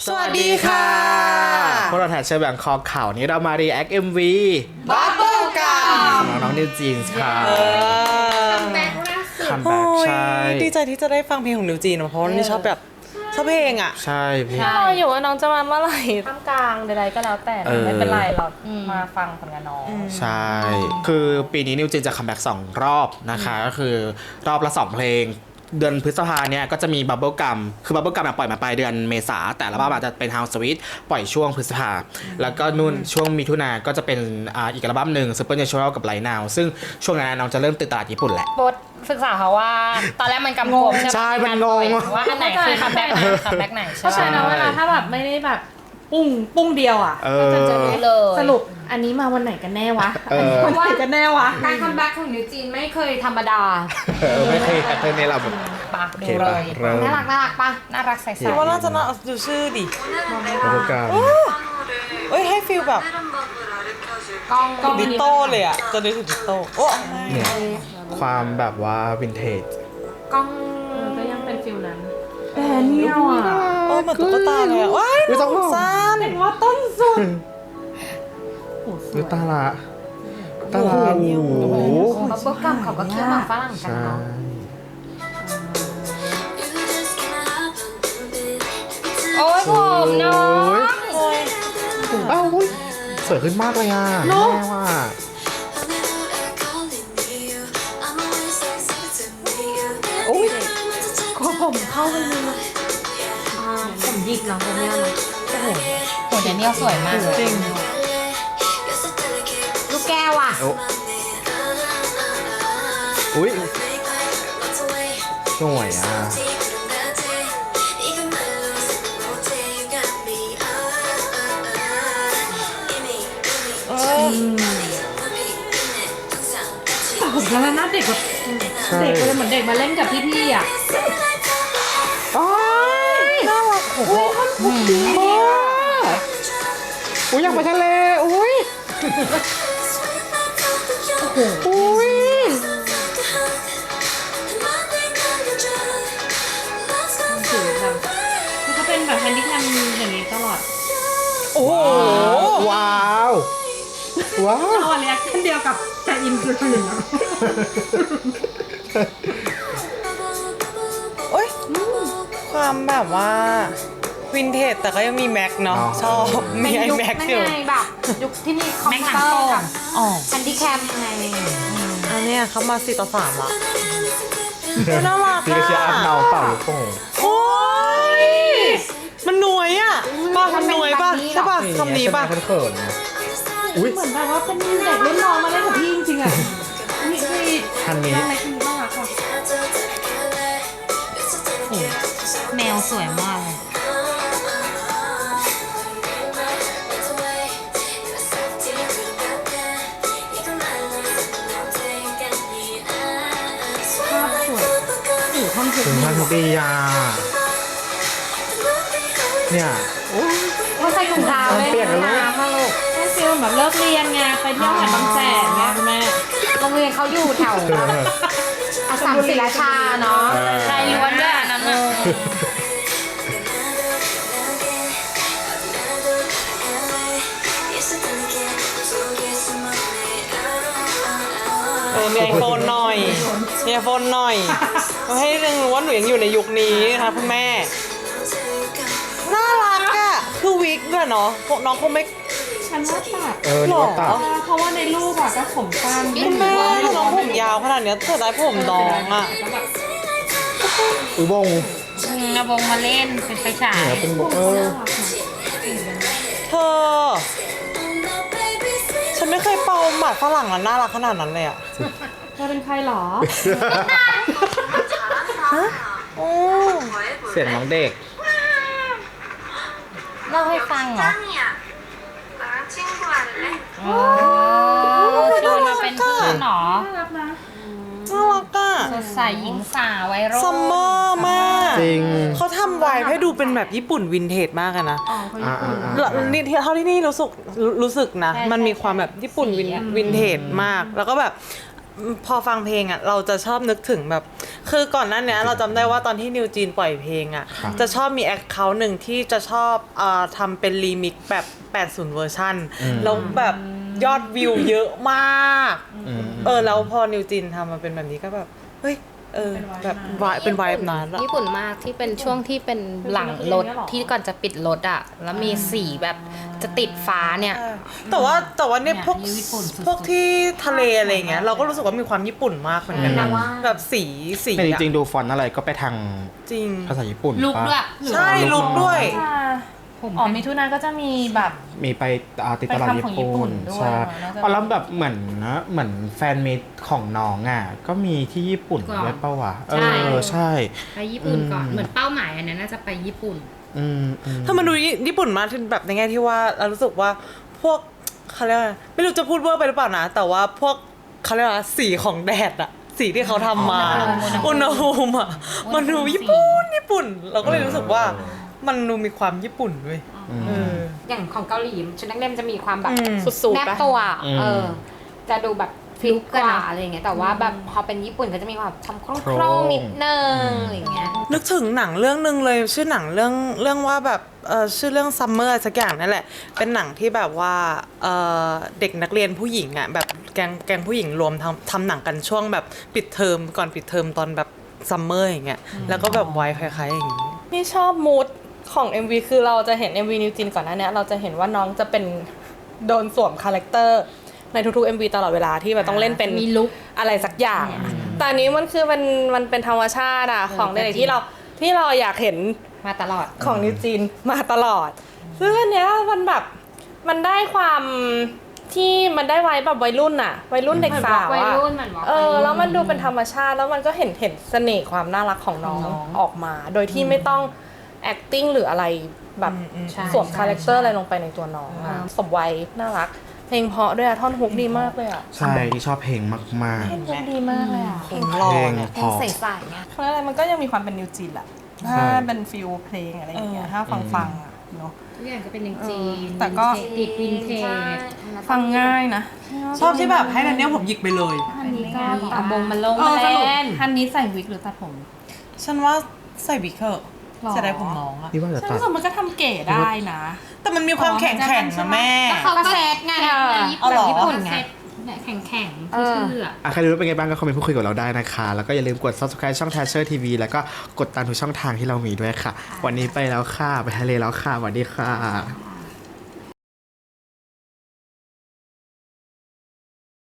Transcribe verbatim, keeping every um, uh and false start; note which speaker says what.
Speaker 1: สวัสดีค่ะพวกเราแทชเชอร์แบงคอกข่าวนี้เรามา react เอ็ม วี
Speaker 2: Bubble Gum
Speaker 1: น้องนิวจีนส์ค่ะ
Speaker 2: คัมแบ็กล่าสุด
Speaker 1: คัมแบ็กใช่
Speaker 3: ดีใจที่จะได้ฟังเพลงของนิวจีนเพราะว่านี่ชอบแบบชอบเพลงอ่ะ
Speaker 1: ใช่พี่
Speaker 4: รออยู่ว่าน้องจะมาเมื่อไหร่ท่ามกลางใดๆก็แล้วแต่
Speaker 1: เออ
Speaker 4: ไม่เป็นไรเรามาฟังผลงานน้อง
Speaker 1: ใช่ คือปีนี้นิวจีนจะคัมแบ็กสองรอบนะคะ ก็คือรอบละสองเพลง เดือนพฤษภาเนี่ยก็จะมี Bubble Gum คือ Bubble Gum ปล่อยมาปลายเดือนเมษาแต่ละบ้าอาจจะเป็น House Sweet ปล่อยช่วงพฤษภาแล้วก็นู่นช่วงมิถุนาก็จะเป็นอ่าอีกอัลบั้มหนึ่ง Supernatural กับ Right Now ซึ่งช่วงนั้นน้องจะเริ่มติดตลาดญี่ปุ่นแหละ
Speaker 4: บทศึกษาเขาว่าตอนแรกมันกำกวมใช่ไหม
Speaker 1: ใช่มันงง
Speaker 4: ว่าอันไหนคือคัมแบ็กไหนคัมแบ็กไหนใช่
Speaker 2: เพราะฉะนั้นเวลาถ้าแบบไม่ได้แบบปุ้งปุ้งเดียวอ่ะ
Speaker 1: เอ
Speaker 4: ก็
Speaker 1: อ
Speaker 4: จะรู้เลย
Speaker 2: สรุปอันนี้มาวันไหนกันแน่วะ
Speaker 1: เออ
Speaker 2: วันไหนกันแน่วะ
Speaker 5: การคัมแบ็กของนิวจีนไม่เคยธรรมดา
Speaker 1: เออไม่เคยแพทเทิร์นนี้เราแบบ
Speaker 4: ปะ
Speaker 1: โอ
Speaker 4: ดู
Speaker 1: เค
Speaker 4: เล
Speaker 1: ป่ะ
Speaker 4: ย
Speaker 1: เริ่ม
Speaker 5: น่ารักน่ารักปะ
Speaker 4: น่ารักใส
Speaker 3: คิดว่าน่าจะน่าดูชื่อดิ
Speaker 1: Bubble Gum
Speaker 3: เอ้ยให้ฟีลแบบ
Speaker 5: กล้องกล้อง
Speaker 3: ดิโต้เลยอ่ะจะนึกถึงดิโต้โอ้
Speaker 1: เนี่ยความแบบว่าวินเทจ
Speaker 5: กล้อง
Speaker 2: ก็ยังเป็นฟิลนั้นแต่เนี่ยอ่ะ
Speaker 3: เออเหมือนตุ๊กตาเลยอ่ะว้าย
Speaker 1: อุ๊ย
Speaker 3: น้องสั้น
Speaker 2: เป็นว่าต้นสุด
Speaker 1: ดูตาละตาละโอ้โห
Speaker 5: บับเบิ้ลกัมเขาก็คิดมาฝรั่งกัน
Speaker 1: ใช่
Speaker 5: เนาะ
Speaker 4: โอ้ยผมน้อง
Speaker 1: โอ้ยเอ้าอุ๊ยสวยขึ้นมากเลยอ่ะแม่ว่า
Speaker 3: โอ้ย
Speaker 2: ก็ผมเข้ากันเลยนะ
Speaker 5: ผมหยิกเนาะคนเนี้ยเนาะ
Speaker 4: โหเดนเนียลสวยมากเลย
Speaker 3: จริง
Speaker 5: ลูกแก้วอ่ะ
Speaker 1: โอ้อุ้ยสวยอ่ะ
Speaker 3: เออ
Speaker 2: แต่ผมกำลังน่าเด็กแบบ
Speaker 1: ใช่
Speaker 2: เด็กเลยเหมือนเด็กมาเล่นกับพี่ๆอ่ะ
Speaker 1: อ้ายน่ารักโอ้โหอุ้ยอยากไปทะเลอุ้ยอุ้ย
Speaker 2: ถือแบบคือเขาเป็นแบบแฮนดี้แคมอย่างนี้ตลอด
Speaker 3: โอ้โห
Speaker 1: ว้าวว้าว
Speaker 2: เอาอะไรเช่นเดียวกับแต่อินคือคนอื่น
Speaker 3: โอ้ยความแบบว่าวินเทจแต่ก็ยังมีแม็กเนาะชอบมีไอ
Speaker 5: ยุค
Speaker 3: แม็ก
Speaker 5: นั่น
Speaker 3: อยู่
Speaker 5: ไงแบบยุคที่มีคอมพิวเตอร์กับ
Speaker 3: อ๋อ
Speaker 5: แฮนดี้แคมไง
Speaker 3: อันเนี้ยเขามาสี่ต่อสามละน่ารัก
Speaker 1: พี่ก็เชียร์อัพเนาเปล่าลูกโป่ง
Speaker 3: โอ้ยมันหน่วยอ่ะป้ามันหน่วยป่ะใช่ป่ะคำนี้ป่ะ
Speaker 1: เขินๆนะอุ้ย
Speaker 2: เหมือนแบบว่าเป็นเด็กรุ่นน้องมาเล่นกับพี่จริงๆอ่ะนี่คือ
Speaker 1: ทันนี้
Speaker 2: อะไรคือบ้างอะค่ะ
Speaker 4: แมวสวยมากเลย
Speaker 2: ภาพสวยอยู่ท่อนสุด
Speaker 1: ถึงพันปียาเนี่ย
Speaker 5: ว่าใส่ถุงเท้าเลย
Speaker 1: เปียกแล้ว
Speaker 5: น้ำมาลูก
Speaker 2: ให้ฟิลแบบเลิกเรียนไงไปเที่ยวหาดบางแสนไงคุณแม่
Speaker 5: โรงเรียนเขาอยู่แถวอาสามศิลาชาเนาะ
Speaker 4: ใจล้วนด้วยอันนั้นน่ะ
Speaker 3: เออมีไอโฟนหน่อยมีไอโฟนหน่อยก็ให้นึงรู้ว่าหนูยังอยู่ในยุคนี้นะคะคุณแม่น่ารักอ่ะคือวิกด้วยเนาะพวกน้องคงไม่
Speaker 2: ฉันว่าตัด
Speaker 1: เออนี่ว่าตัด
Speaker 2: เพราะว่าในรูปอะก็ผมสั้น
Speaker 3: คุณแม่ถ้าน้องผมยาวขนาดเนี้ยเธอได้ผมดองอ่ะ
Speaker 2: แล้วแบบ
Speaker 1: อุ้ยบง
Speaker 4: อืมเอาวงมาเล่นเป็นไฟฉาย
Speaker 1: เนี่ยเป็นบงเออ
Speaker 3: เธอ ฉันไม่เคยเป่าหมัดฝรั่งแล้วน่ารักขนาดนั้นเลยอ่ะ
Speaker 2: เธอเป็นใครหรอ
Speaker 3: โอ้
Speaker 1: เสียงน้องเด็ก
Speaker 4: เล่าให้ฟังเหรอ โอ้ชวนมาเป็นเพื่อนเหรอ
Speaker 2: น่ารักนะ
Speaker 3: น่ารักอ่ะ
Speaker 4: สดใสหญิงสาววัยรุ่น
Speaker 3: ซัมเมอร์มาก
Speaker 1: จริง
Speaker 3: เขาทำไวน์ให้ดูเป็นแบบญี่ปุ่นวินเทจมากอะนะ
Speaker 2: อ๋อเขา
Speaker 1: อ่า
Speaker 2: ญี่ปุ่น
Speaker 1: อ่า
Speaker 3: แล้วนี่เท่าที่นี่รู้สึกรู้รู้สึกนะ มันมีความแบบญี่ปุ่นวินวินเทจมาก แล้วก็แบบพอฟังเพลงอ่ะเราจะชอบนึกถึงแบบ คือก่อนหน้านี้เราจำได้ว่าตอนที่นิวจีนปล่อยเพลงอ่ะ
Speaker 1: ครับ
Speaker 3: จะชอบมีแอคเคาท์หนึ่งที่จะชอบเอ่อทำเป็นรีมิกซ์แบบแปดสิบเวอร์ชันแล้วแบบยอดวิวเยอะมาก
Speaker 1: อืม
Speaker 3: เออแล้วพอนิวจีนทำมาเป็นแบบนี้ก็แบบเฮ้ยเออแบบวายเป็นวายแบบนั้นอะ
Speaker 5: ญี่ปุ่นมากที่เป็นช่วงที่เป็นหลังรถที่ก่อนจะปิดรถอ่ะ แล้วมีสีแบบจะติดฟ้าเนี่ย
Speaker 3: แต่ว่าแต่ว่าเนี่ย
Speaker 2: เนี่ย
Speaker 3: พวก
Speaker 2: ญี่ปุ่นสุดๆ
Speaker 3: พวกที่ทะเลอะไรอย่างเงี้ยเราก็รู้สึกว่ามีความญี่ปุ่นมากเหมือนกันนะ
Speaker 5: อืม
Speaker 3: แบบสีสี
Speaker 1: แต่จ
Speaker 3: อะ
Speaker 1: ริงๆดูฟอนต์อะไรก็ไปทาง
Speaker 3: จริง
Speaker 1: ภาษาญี่ปุ่น
Speaker 2: ลุก
Speaker 1: ปะ
Speaker 2: ด้วย
Speaker 3: ใช่ลุกด้วย
Speaker 2: ผม อ๋อมิถุนาก็จะมีแบบ
Speaker 1: มีไปอ่าติดตลาด
Speaker 2: ไป
Speaker 1: ญี่
Speaker 2: ทำของญี่ปุ่
Speaker 1: ปุ่น
Speaker 2: นด้วย
Speaker 1: ใช่
Speaker 2: น่าจะ
Speaker 1: อ๋อแล้วแบบเหมือนนะเหมือนแฟนมิตของน้องอ่ะก็มีที่ญี่ปุ่น
Speaker 4: ก่อน
Speaker 1: ด้วยเปล่าวะเอ
Speaker 4: ใช่
Speaker 1: อใช่
Speaker 4: ไปญี่ปุ่นก่อน
Speaker 1: อืม
Speaker 4: เหมือนเป้าหมายอันนั้นน่าจะไปญี่ปุ่น
Speaker 1: อืมอืม
Speaker 3: ถ้ามันดูญี่ปุ่นมากแบบในแง่ที่ว่าเรารู้สึกว่าพวกเขาเรียกว่าไม่รู้จะพูดเวอร์ไปหรือเปล่านะ แต่ว่าพวกเขาเรียกว่าสีของแดดอะสีที่เขาทำมาอุณหภูมิอะมันดูญี่ปุ่นญี่ปุ่น เราก็เลยรู้สึกว่ามันดูมีความญี่ปุ่นด้วยเออ
Speaker 5: อย่างของเกาหลีชุดนักเรียนจะมีความแบบ
Speaker 3: อืม
Speaker 5: สุดๆแนบตัว
Speaker 1: อืม
Speaker 5: เออ จะดูแบบฟิลกว่า
Speaker 4: ลุคอะ
Speaker 5: อะไรอย่างเงี้ยแต่ว่าแบบพอเป็นญี่ปุ่นก็จะมีความทำโค
Speaker 1: โคร
Speaker 5: รง
Speaker 1: ง
Speaker 5: ๆนิดนึงอะไรอย่างเงี้ย
Speaker 3: นึกถึงหนังเรื่องหนึ่งเลยชื่อหนังเรื่องเรื่องว่าแบบเออชื่อเรื่องซัมเมอร์สักอย่างนั่นแหละ เป็นหนังที่แบบว่าเออเด็กนักเรียนผู้หญิงอ่ะแบบแก๊งแก๊งผู้หญิงรวมทำทำหนังกันช่วงแบบปิดเทอมก่อนปิดเทอมตอนแบบซัมเมอร์อย่างเงี้ยแล้วก็แบบไว้คล้ายๆอย่างงี้
Speaker 6: นี่ชอบมูดของ เอ็ม วี คือเราจะเห็น เอ็ม วี นิวจินก่อนหน้าเนี้ยเราจะเห็นว่าน้องจะเป็นโดนสวมคาแรคเตอร์ในทุกๆ เอ็ม วี ตลอดเวลาที่แบบต้องเล่นเป็น
Speaker 4: มีลุค
Speaker 6: อะไรสักอย่าง แต่อันนี้มันคือมันมันเป็นธรรมชาติอะของเด็กๆที่เราที่เราอยากเห็น
Speaker 5: มาตลอด
Speaker 6: ของนิวจีนมาตลอด ซึ่งอันเนี้ยมันแบบมันได้ความที่มันได้ไว้แบบวัยรุ่นอะวัยรุ่นเด็กสาว
Speaker 4: วัย
Speaker 6: อะ
Speaker 4: รุ่นเหมือนวัยรุ่น
Speaker 6: เออแล้วมันดูเป็นธรรมชาติแล้วมันก็เห็นเห็นเสน่ห์ความน่ารักของน้องออกมา โดยที่ไม่ต้อง acting หรืออะไรแบบ
Speaker 5: ใช่
Speaker 6: สวม
Speaker 5: ใช่
Speaker 6: คาแรคเตอร์อะไรลงไปในตัวน้องอะสมวัยน่ารัก เพลงเพราะด้วยอะท่อนฮุกดีมากเลยอะ
Speaker 1: ใช่ที่ชอบเพลงมาก
Speaker 6: ท่อนฮุกดีมากเลยอะ
Speaker 3: เพลง
Speaker 1: ๆ
Speaker 3: รอ
Speaker 1: เพลง
Speaker 3: เนี่ย
Speaker 1: เพอ
Speaker 5: ใสๆเนี่ย
Speaker 6: เพราะอะไรมันก็ยังมีความเป็นนิวจีนแหละ
Speaker 1: ใช่
Speaker 6: ถ้าเป็นฟิลเพลงอะไรอย่างเงี้ยถ้าฟังฟังๆอะเนาะ
Speaker 4: ทุกอย่างก็เป็นอย่างจีน
Speaker 6: แต่ก็
Speaker 4: ติดวินเทจ
Speaker 6: ฟังง่ายนะ
Speaker 3: ชอบที่แบบให้นันเนี้ยผมหยิกไปเลย
Speaker 4: อันนี้ก็เอาบงมาลง
Speaker 6: เอ
Speaker 4: มา
Speaker 6: อสรุป
Speaker 4: เล่น
Speaker 6: ฮันนี้ใส่วิกหรือตัดผม
Speaker 3: ฉันว่าใส่วิกเถอะ
Speaker 6: หรอ
Speaker 3: จะได้ผมน้องอะ
Speaker 1: นี่ว่าจะ
Speaker 6: ฉัน
Speaker 1: ตัด
Speaker 6: รู้สึกมันก็ทำเก๋ได้นะ
Speaker 3: แต่มันมีความแข็งแข็งนะแม่
Speaker 4: เขาก็เซตไง
Speaker 6: เออ
Speaker 4: แบบญี่ปุ่น
Speaker 3: เอาเหรอ
Speaker 4: ญี่ปุ่นไงแข็งแข็งๆ
Speaker 5: เออ
Speaker 4: ชื่อๆอะ
Speaker 1: อ่ะใครรู้ว่าเป็นไงบ้างก็คอมเมนต์พูดคุยกับเราได้นะคะ แล้วก็อย่าลืมกด subscribe ช่อง Thatcher ที วี แล้วก็กดตามทุกช่องทางที่เรามีด้วยค่ะ วันนี้ไปแล้วค่ะ ไปทะเลแล้วค่ะสวัสดีค่ะ